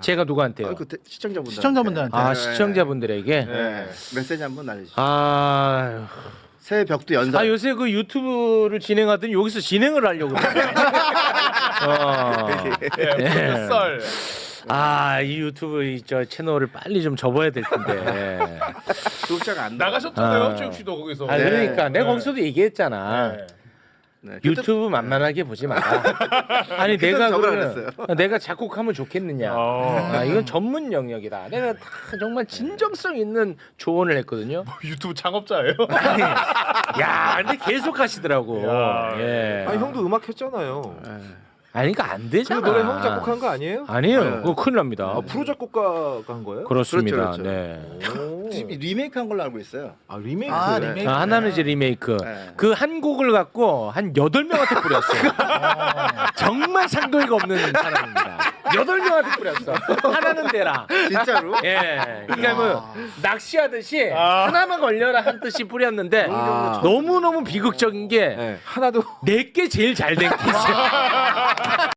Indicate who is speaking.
Speaker 1: 제가 누구한테요?
Speaker 2: 시청자분들한테.
Speaker 1: 아 시청자분들에게.
Speaker 3: 네. 메시지 한번 날려주시죠.
Speaker 1: 아,
Speaker 3: 새해 벽도 연설.
Speaker 1: 아 요새 그 유튜브를 진행하더니 여기서 진행을 하려고 그러네. 예.
Speaker 4: 썰.
Speaker 1: 아, 이 유튜브 저 채널을 빨리 좀 접어야 될 텐데.
Speaker 3: 구독자가 안
Speaker 4: 나가셨잖아요,
Speaker 1: 아.
Speaker 4: 최욱 씨도 거기서.
Speaker 1: 아, 그러니까 내가
Speaker 4: 네.
Speaker 1: 거기서도 얘기했잖아.
Speaker 4: 네.
Speaker 3: 네.
Speaker 1: 유튜브 만만하게 보지 마라. 아니 내가
Speaker 3: 적으라
Speaker 1: 그러면 내가 작곡하면 좋겠느냐. 아, 이건 전문 영역이다. 내가 다 정말 진정성 있는 조언을 했거든요.
Speaker 4: 유튜브 창업자예요?
Speaker 1: 아니, 야, 근데 계속 하시더라고.
Speaker 4: 야.
Speaker 1: 예.
Speaker 5: 아니 형도 음악 했잖아요.
Speaker 1: 아니 그러니까 안
Speaker 5: 그
Speaker 1: 되잖아.
Speaker 5: 노래 형 작곡한 거 아니에요?
Speaker 1: 아니에요.
Speaker 3: 네.
Speaker 1: 그거 큰일 납니다.
Speaker 5: 아, 프로 작곡가가 한 거예요?
Speaker 1: 그렇습니다.
Speaker 3: 그렇죠,
Speaker 1: 네.
Speaker 5: 오.
Speaker 3: 리메이크한 걸로 알고 있어요.
Speaker 5: 아 리메이크.
Speaker 2: 아, 리메이크.
Speaker 1: 아, 하나는 이제 리메이크.
Speaker 3: 네.
Speaker 1: 그 한 곡을 갖고 한 8명한테 뿌렸어요. 정말 상도이가 없는 사람입니다. 8명한테 뿌렸어. 하나는 되라.
Speaker 3: 진짜로?
Speaker 1: 예. 그러니까 뭐 낚시하듯이 하나만 걸려라 한 뜻이 뿌렸는데
Speaker 5: 아.
Speaker 1: 너무너무 비극적인 게
Speaker 5: 네. 하나도
Speaker 1: 내게 제일 잘 된 케이스야.